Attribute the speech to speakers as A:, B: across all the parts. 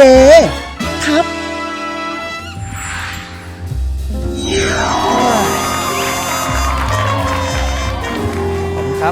A: ครับ
B: ครับ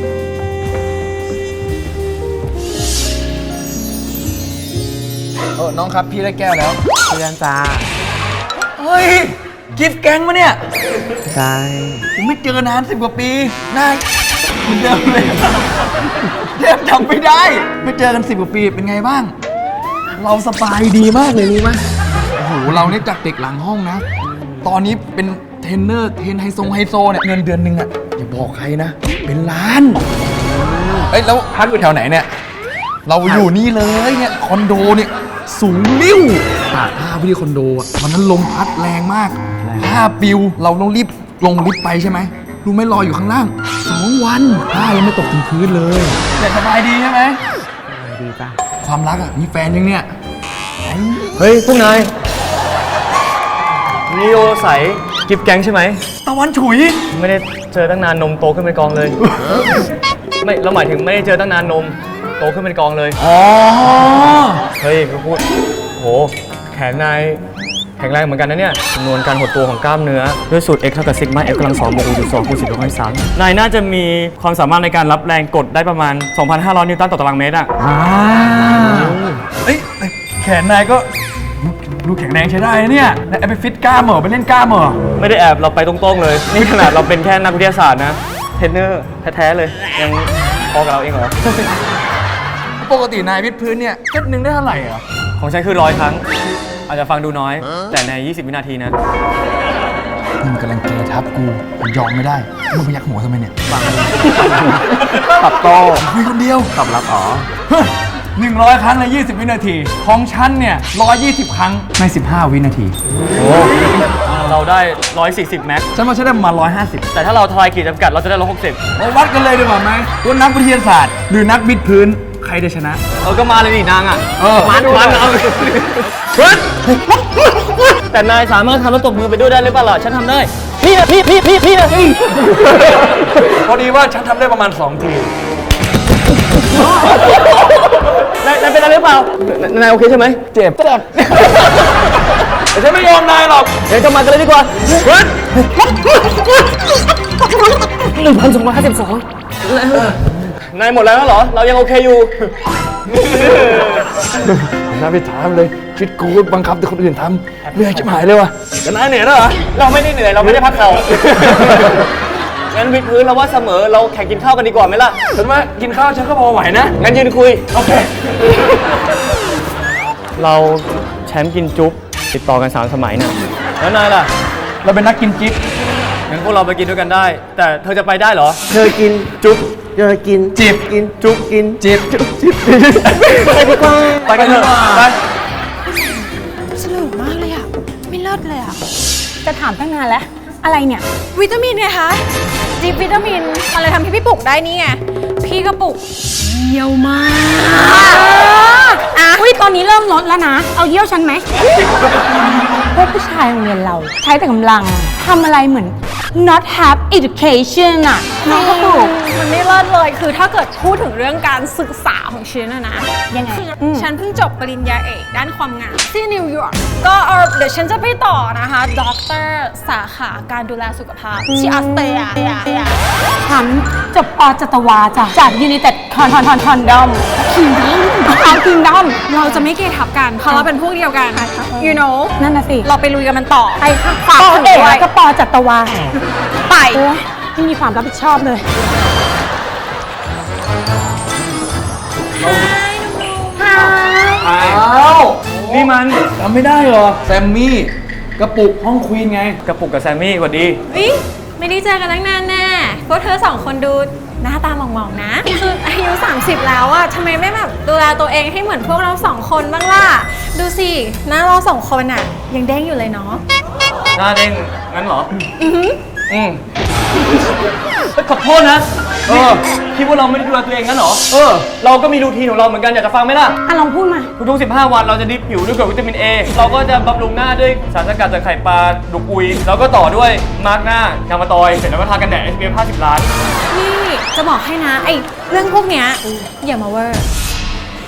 C: น้องครับพี่ได้แก้วแล้ว
B: เพื่อนจ้า
C: เฮ้ยกิฟต์แก๊งมาเนี่ย
B: ใช่
C: ผมไม่เจอนาน10 กว่าปีนายเหมือนเดิมเลยเรียกจำไม่ได้ ไม่เจอกัน10 กว่าปีเป็นไงบ้าง เราสบายดีมากเลยรู้ไหมโอ้โหเราเนี่ยจากเด็กหลังห้องนะ ตอนนี้เป็นเทรนเนอร์เทรนไฮโซเนี่ยเงินเดือนหนึ่งอะอย่าบอกใครนะ เป็นล้านเอ้ยแล้วพักอยู่แถวไหนเนี่ย เราอยู่นี่เลยเนี่ยคอนโดเนี่ยสูงลิ้วผ้าพี่ที่คอนโดอ่ะวันนั้นลมพัดแรงมากผ้าปิวเราต้องรีบลงลิฟต์ไปใช่ไหมรู้ไหมรออยู่ข้างล่าง2 วันผ้ายังไม่ตกถึงพื้นเลยแต่สบายดีใช่ไหม
B: ดีจ้า
C: ความรักอ่ะมีแฟนยังเนี่ย
B: เฮ้ย พวกนายนีโอใสกิฟแก๊งใช่ไหม
C: ตะวันฉุย
B: ไม่ได้เจอตั้งนานนมโตขึ้นเป็นกองเลย ไม่เราหมายถึงไม่ได้เจอตั้งนานนมโตขึ้นเป็นกองเลย
C: อ๋อ
B: เฮ้ยก็พูดโหแขนนายแข็งแรงเหมือนกันนะเนี่ยจำนวนการหดตัวของกล้ามเนื้อด้วยสูตร x เท่ากับซิกมา f กำลัง2บวก u จุด2คูณ10ยกกำลัง3นายน่าจะมีความสามารถในการรับแรงกดได้ประมาณ 2,500 นิวตันต่อตารางเมตรอ่ะ
C: เอ้ยแขนนายก็ดูแข็งแรงใช้ได้นะเนี่ยนายไปฟิตกล้ามเหรอไปเล่นกล้ามเหรอ
B: ไม่ได้แอบเราไปตรงๆเลย นี่ขนาดเราเป็นแค่นักวิทยาศาสตร์นะเทรนเนอร์แท้ๆเลย ยังพอกับเราเองเหรอ
C: ปกตินายวิดพื้นเนี่ยเซตหนึ่งได้เท่าไหร่อ่ะ
B: ของฉันคือ100 ครั้ง อาจจะฟังดูน้อย แต่ใน 20 วินาทีนะ
C: มึงกำลังเกทับกูยอมไม่ได้มึงพยักหัวทำไมเนี่ย
B: ตับโต
C: คุยคนเดียว
B: ตอบรับอ๋อ
C: 100 ครั้งใน 20 วินาที ของฉันเนี่ย120 ครั้งใน 15 วินาที
B: โอ้เราได้ 140 แม็ก
C: ฉันว่าฉันได้ประมาณ150
B: แต่ถ้าเราทลายขีดจำกัดเราจะได้160
C: มาวัดกันเลยดีกว่าไหมว่านักวิทยาศาสตร์ หรือนักวิดพื้นใครจะชนะ
B: ก็มาเลยดินางอ่ะ มันเอาแต่นายสามารถทำแล้วตบมือไปด้วยได้หรือเปล่าล่ะฉันทำได้ พี่นะพี่นะ
C: พอดีว่าฉันทำได้ประมาณ 2 ที
B: นายเป็นอะไรหรือเปล่า นายโอเคใช่ไหม
C: เจ็บแต่ฉันไม่ยอมนายหรอก
B: เดี๋ยวจะมากันเลยดีกว่า1,252นายหมดแล้วเหรอ เรายังโอเคอยู่
C: น่าไปถามเลยชีวิตกูบังคับแต่คนอื่นทำเหนื่อยชิบหายเลยว่ะ
B: แต่นายเหนื่อยแล้วเหรอ เราไม่ได้เหนื่อย เราไม่ได้พักเขางั้นวิดพื้นเราว่าเสมอ เราแข่งกินข้าวกันดีกว่าไหมล่ะ
C: ฉันว่ากินข้าวฉันก็พอไหวนะ
B: งั้นยืนคุย
C: โอเค
B: เราแชมป์กินจุ๊บติดต่อกัน3 สมัยน่ะ แล้วนายล่ะ
C: เราเป็นนักกินจิ๊บ
B: งั้นพวกเราไปกินด้วยกันได้ แต่เธอจะไปได้เหรอ
D: เธอกินจุ๊บเธอกิน
C: จิบ
D: กินจุ๊บกิน
C: จิ๊บ
D: ไปดีกว่า
B: ไปกันเถอะไป
E: สนุกมากเลยอ่ะ ไม่เลิศเลยอ่ะ
F: จะถามตั้งนานแล้ว อะไรเนี่ย
E: วิตามินไงคะจิบวิตามินมันเลยทำให้พี่ปลุกได้นี่ไง พี่ก็ปลุกเยี่ยวมาก
F: อุ้ยตอนนี้เริ่มลดแล้วนะ เอาเยี่ยวฉันไหม พวกผู้ชายโรงเรียนเรา ใช้แต่กำลังทำอะไรเหมือน not have education อะน้องก็ปลูก
E: มันไม่เลิศเลย คือถ้าเกิดพูดถึงเรื่องการศึกษาของฉันนะ
F: ยังไง
E: คือฉันเพิ่งจบปริญญาเอกด้านความงามที่นิวยอร์ก ก็เดี๋ยวฉันจะไปต่อนะคะด็อกเตอร์สาขาการดูแลสุขภาพที่ออสเตรเลีย
F: ฉันจบปจัตวาจ้ะจาก United Kingdom
E: เราจะไม่เกทับกัน เพราะเราเป็นพวกเดียวกัน you know
F: นั่นน่ะสิ
E: เราไปลุยกันมันต่อ
F: ไปค่ะ
E: ฝาก
F: ป
E: ถึง
F: เอก
E: ด้วย
F: แล้วก็ปจัตวา
E: ไป
F: โอ้ยไม่มีความรับผิดชอบเลย
C: อ้าว
B: นี่มัน
C: จำไม่ได้เหรอ แซมมี่ กระปุกห้องควีนไง
B: กระปุกกับแซมมี่สวัสดี
E: วิไม่ได้เจอกันตั้งนานแน่พวกเธอ2 คนดูหน้าตาหมองๆนะ คืออายุ 30 แล้วอะทำไมไม่แบบดูแลตัวเองให้เหมือนพวกเรา2 คนบ้างล่ะ ดูสิ หน้าเรา2 คนอะยังเด้งอยู่เลยเนาะ
B: หน้าเด้งงั้นเหรอ อืมขอโทษนะคิดว่าเราไม่ได้ดูแลตัวเองงั้นเหรอ เราก็มีรูทีนของเราเหมือนกันอยากจะฟังไหมล่ะ
F: อ่ะลองพูดมา
B: ทุกๆ15 วันเราจะดิปผิวด้วยกรดวิตามิน A เราก็จะบำรุงหน้าด้วยสารสกัดจากไข่ปลาดุกอุย แล้วก็ต่อด้วยมาร์กหน้ายางมะตอย เสร็จแล้วก็ทากันแดด SPF 50 ล้าน
E: นี่จะบอกให้นะไอ้เรื่องพวกเนี้ยอย่ามาเวอร์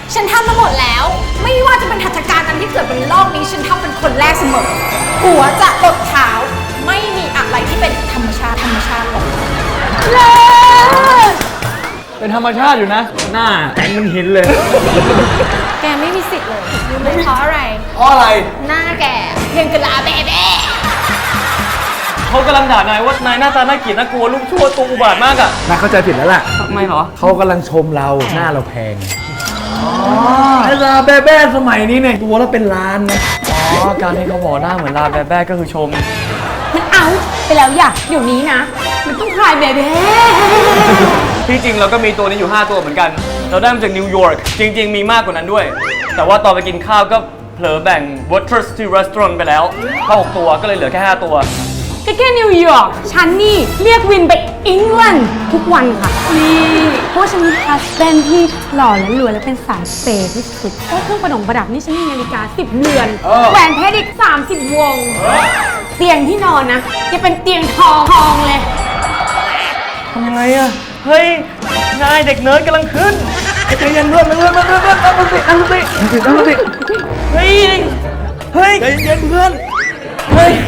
E: ฉันทำมาหมดแล้ว ไม่ว่าจะเป็นหัตถการอันที่เกิดบนโลกนี้ฉันทำเป็นคนแรกเสมอ หัวจะตดเท้าไม่มีอะไรที่เป็นธรรมชาติหรอกเลย
B: เป็นธรรมชาติอยู่นะ หน้าแข็งมันหินเลย
E: แกไม่มีสิทธิ์เลยรู้ไหมเพราะอะไร
C: เพราะอะไร
E: หน้าแกเพียงกะลาเบ๊ะ
B: เขากำลังด่านายว่านายหน้าตาน่าเกลียดน่ากลัวลูกชั่วตัวอุบาทมากอะ
C: นายเข้าใจผิดแล้วล่ะ
B: ทำไมเหรอ
C: เขากำลังชมเราหน้าเราแพงไอ้ลาแบ้ๆสมัยนี้เนี่ยตัวละเป็นล้านนะ
B: อ๋อ การที่เขาบอกหน้าเหมือนลาแบๆก็คือชม
F: มันเอาไปแล้วอย่าเดี๋ยวนี้นะ มันต้องคลายเบเบ้
B: ที่จริงเราก็มีตัวนี้อยู่ 5 ตัวเหมือนกัน เราได้มาจากนิวยอร์ก จริง ๆ มีมากกว่านั้นด้วย แต่ว่าตอนไปกินข้าวก็เผลอแบ่ง Watersty Restaurant ไปแล้วเข้า6ตัวก็เลยเหลือแค่ 5 ตัว
F: ก็แค่นิวยอร์กฉันนี่เรียกวินไปอังกฤษทุกวันค่ะ นี่เพราะว่าฉันมีฮัสแบนด์ที่หล่อและรวยและเป็นสายเปย์ที่สุดเพราะเครื่องประดับนี่ฉันมีนาฬิกา10 เรือน แหวนเพชรอีก30 วง เตียงที่นอนนะจะเป็นเตียงทองเลย
B: ทำยังไงอะเฮ้ย นายเด็กเนิร์ดกำลังขึ้น
C: ใจเย็นเพื่อนตั้งสติตั้งสติ
B: เฮ้ย เฮ้ย
C: ใจเย็นเพื่อน
B: เฮ้ย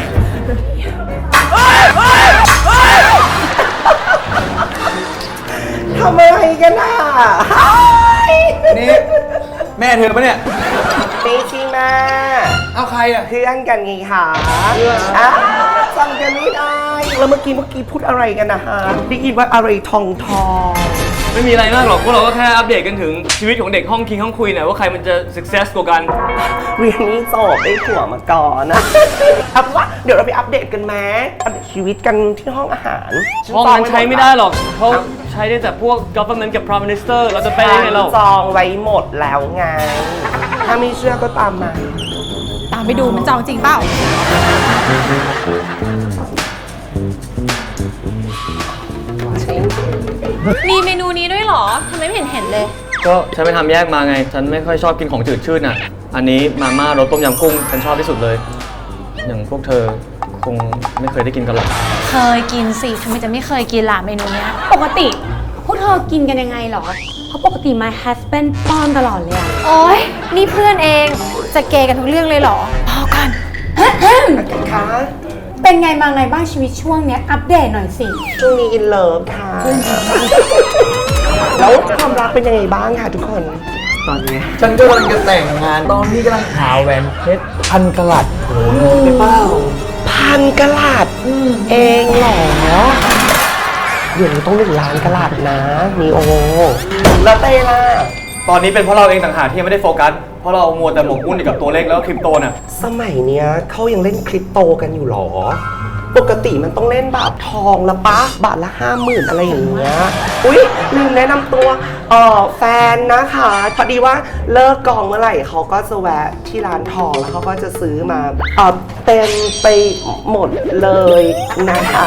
D: ทำอะไรกันน่ะ
C: นี่แม่เธอปะเนี่ย
D: ไม่ใช่แม่
C: เอาใครอ่ะ
D: เพื่อนกันไงคะอ้าวจำกันไม่ได้ แล้วเมื่อกี้พูดอะไรกันนะฮะได้ยินว่าอะไรทอง
B: ไม่มีอะไรมากหรอก พวกเราก็แค่อัปเดตกันถึงชีวิตของเด็กห้องคิงห้องคุยหน่อยว่าใครมันจะ success กว่ากัน
D: เรียนนี้จบได้ผัวมาก่อนนะเอาเป็นว่าเดี๋ยวเราไปอัปเดตกันไหมอัปเดตชีวิตกันที่ห้องอาหาร
B: ห้องนั้นใช้ไม่ได้หรอกเขาใช้ได้แต่พวก government กับ prime minister เราจะไปได้ไงเรา
D: จองไว้หมดแล้วไง ถ้าไม่เชื่อก็ตามมา
E: ตามไปดูมันจองจริงเปล่า มีเมนูนี้ด้วยเหรอทำไมไม่เห็นเลย
B: ก็ฉันไปทำแยกมาไง ฉันไม่ค่อยชอบกินของจืดชืดน่ะ อันนี้มาม่ารสต้มยำกุ้งฉันชอบที่สุดเลย อย่างพวกเธอคงไม่เคยได้กินกันหรอก
E: เคยกินสิทำไมจะไม่เคยกินล่ะเมนูเนี้ย
F: ปกติพวกเธอกินกันยังไงเหรอ เพราะปกติ my husband ป้อนตลอดเลยอะ
E: โอ๊ย นี่เพื่อนเอง จะเกย์กันทุกเรื่องเลยเหรอ พอกัน
D: คะ
F: เป็นไงมาไงบ้างชีวิตช่วงเนี้ยอัปเดตหน่อยสิ
D: ช่วงนี้อินเลิฟค่ะ แล้วความรักเป็นยังไงบ้างคะทุกคน ตอนนี้
C: ฉันก็กำลังจะแต่งงาน ตอนนี้กำลังหาแหวนเพชร1,000 กะรัตโอ้โหไปเปล่า
D: 1,000 กะลัดเองเหรอ เดี๋ยวนี้ต้อง1 ล้านกะลัดนะนีโอ แล้วเต้ล่ะ
B: ตอนนี้เป็นเพราะเราเองต่างหากที่ยังไม่ได้โฟกัส เพราะเรามัวแต่หมกมุ่นอยู่กับตัวเลขแล้วก็คริปโตน่ะ
D: สมัยเนี้ยเขายังเล่นคริปโตกันอยู่เหรอ ปกติมันต้องเล่นแบบทองละปะ บาทละ 50,000 อะไรอย่างเงี้ย อุ๊ย ลืมแนะนำตัวแฟนนะคะ พอดีว่าเลิกกองเมื่อไหร่เขาก็จะแวะที่ร้านทองแล้วเขาก็จะซื้อมาเต็มไปหมดเลยนะคะ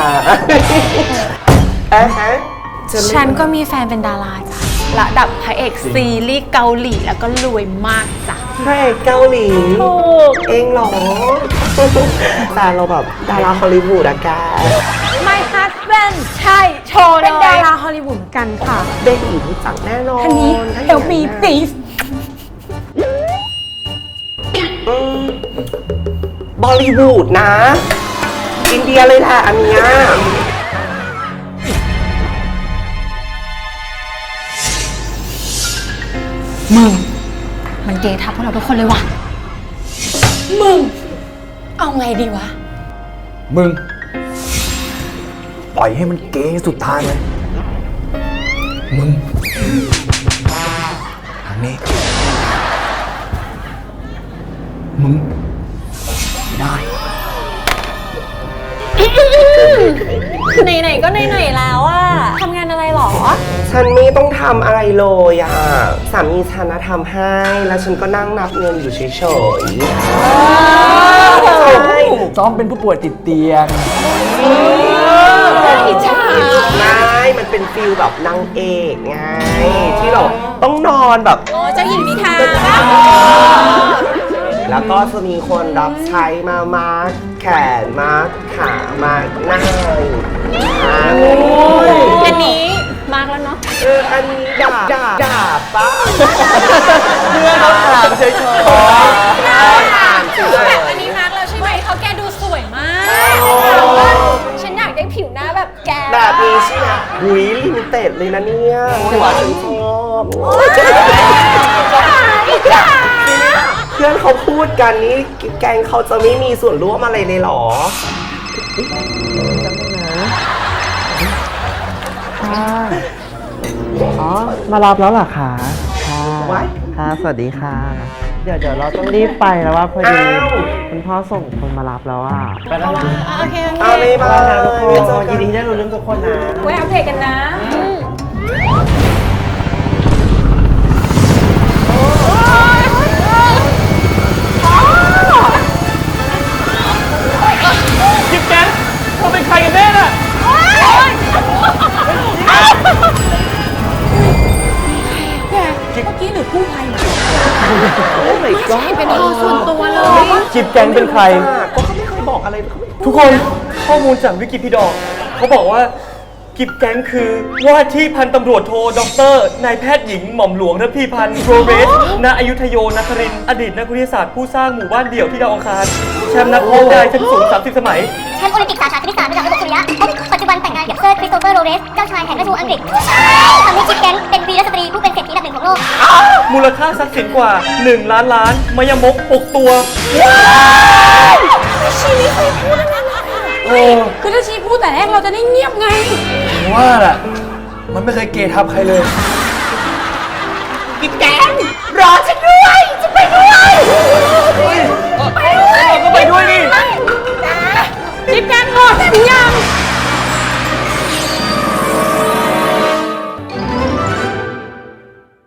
D: ฮะ
E: ฉันก็มีแฟนเป็นดาราจ้ะ ระดับพระเอกซีรีส์เกาหลีแล้วก็รวยมากจ้ะ
D: พระเอกเกาหลีเองเหรอ แฟนเราแบบดาราฮอลลีวูดอะแก
E: My husband ใช่ โชว์เล
F: เป็นดาย ราฮอลลีวูดเหมือนกันค่ะ
D: เบบีรู้จักแน่นอน
F: ท่านนี้
D: ถ้า
F: เอลมี
D: ย่างนั้น
F: ตีฟ
D: บอลลีวูดนะ อินเดียเลยแหละอันเนี้ย
E: มันเกย์ทับพวกเราทุกคนเลยว่ะ
F: มึง เอาไงดีวะ
C: มึง ปล่อยให้มันเก๋สุดทางเลย มึงทางนี้ มึง ได้
E: ไหนๆก็ไหนๆแล้วอะทำงานอะไรหรอ
D: ฉันไม่ต้องทำอะไรเลยอ่ะ สามีฉันนะทำให้ แล้วฉันก็นั่งนับเงินอยู่เฉยๆใช่
C: ซ้อมเป็นผู้ป่วยติดเตียง
E: อิจฉา
D: ไม่มันเป็นฟิลแบบนางเอกไง ที่เราต้องนอนแบบ
E: โอ้เจ้าหญิงนิทรา
D: แล้วก็จะมีคนรับใช้มามาร์คแขนมาร์คขามาร์คหน้าอย่างเงี้ย
E: อันนี้มากแล้วเนาะ
D: อันนี้ด่าป้า
C: เพื่อนเขาถามเฉย
E: แบบอันนี้รักแล้วใช่ไหมเขาแกดูสวยมาก ฉันอยากได้ผิวหน้าแบบแก
D: แบบนี้ใช่ไหมหุยลิมิเต็ดเลยนะเนี่ยฉันชอบเพื่อนเขาพูดกันนี่แกงเขาจะไม่มีส่วนร่วมอะไรเลยเหรอ
A: อ๋อ มารับแล้วเหรอคะค่ะ
D: ไว้
A: ค่ะ สวัสดีค่ะ เดี๋ยวเราต้องรีบไปแล้วว่าพอดี
D: อ้าว
A: คุณพ่อส่งคนมารับแล้วอ่ะ ไปแล้วนะ
E: โอเค
D: เอาเลยมา
A: นะทุกคน
D: เดี๋ยวเจอกั
A: ยิ
D: น
A: นดีที่ได้รู้เรื่องทุกคนนะ
E: ไว้อัปเดตกันนะ
B: จิ๊บแกนเขาเป็นใครกันแน่น่ะ
F: เมื่อกี้หรือกู้ภัย
E: เป็นห้องส่วนตัวเลย
B: จิ๊บแกนเป็นใคร
D: ก็เขาไม่เคยบอกอะไรเขาไม่
B: ทุกคนข้อมูลจากวิกิพีดอเขาบอกว่ากิบแก๊งคือว่าที่พันตำรวจโทด็อกเตอร์นายแพทย์หญิงหม่อมหลวงระพีพันธ์โรเรสณอยุธโยนครินทร์อดีตนักวิทยาศาสตร์ผู้สร้างหมู่บ้านเดี่ยวที่ดาวอังคารแชมป์นักโทษได้ชั้นสูง 30 สมัย
G: แชมป์โอลิมปิกสาขาคณิตศาสตร์ระดับระบบสุริยะปัจจุบันแต่งงานกับเซอร์คริสโตเฟอร์โรเรส เจ้าชายแห่งราชวงศ์อังกฤษทำให้ชิปแก๊งเป็นวีรสตรีผู้เป็นเศรษฐีอันดับหนึ่งของโลก
B: มูลค่าทรัพย์สินกว่า 1 ล้านล้านมายมก 6 ตัว
F: คือถ้าชีพูดแต่แรกเราจะได้เงียบไง
C: ๆว่าล่ะ มันไม่เคยเกทับใครเลย
D: กินแกงรอฉันด้วยจะไปด้วย
B: เราก็ไปด้วยดิ
F: จิ๊บแกนหมดยัง